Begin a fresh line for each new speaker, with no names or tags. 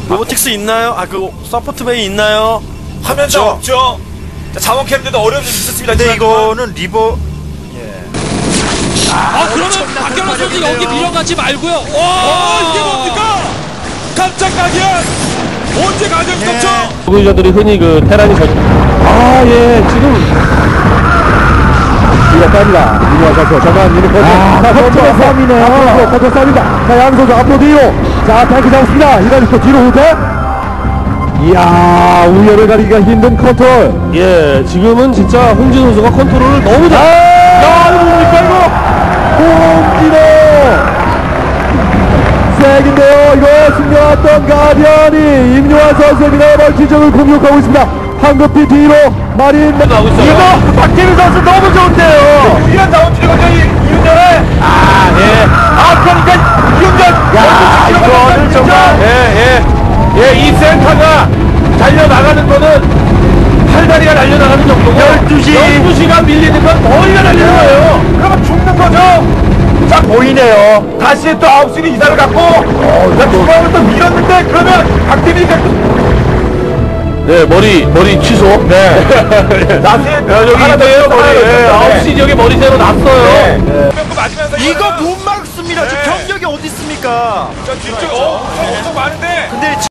로보틱스 있나요? 아, 그 서포트 베이 있나요?
화면도 없죠. 자, 자원 캠프도 어려움이 좀 있었습니다.
근데 이거는 리버
그러면 박경호 선수 여기 밀어가지 말고요. 와,
이게 뭡니까? 깜짝 가디언! 언제 가디언 떴죠?
소비자들이 흔히 그 테란이 지금 이거 깝니다. 이거 선수 잠깐 이거 커트의 싸움이네요. 커트 싸움이다. 자, 양 선수 앞으로 뒤로. 자, 탱크 잡습니다. 이다리스토 뒤로 후퇴. 이야, 우열을 가리기가 힘든 컨트롤. 예, 지금은 진짜 홍진호 선수가 컨트롤을 너무 잘. 야, 이거 뭡니까 이거? 홍진호 색인데요. 이거 숨겨왔던 가디언이 임요환 선수입니다. 멀티적을 공격하고 있습니다. 황급히 뒤로 마린 나오고 있어요. 이거 박태민 선수 너무 좋은데요.
이런 자원 필요가 이윤전에 그러니까 이윤전
이거는 정말 이 센터가 달려나가는 거는 팔다리가 날려나가는 정도고 12시가 밀리는 건 머리가 날리는 거예요.
그러면 죽는 거죠. 자, 보이네요. 다시 또 9시로 이사를 갖고 중앙을 또 밀었는데 그러면 박태민이가
네, 머리 취소. 네. 여기 있네요, 머리. 9시 지역에 머리 새로 났어요.
맞으면서
이거 못 막습니다. 지금 병력이 어디 있습니까?
자, 뒤쪽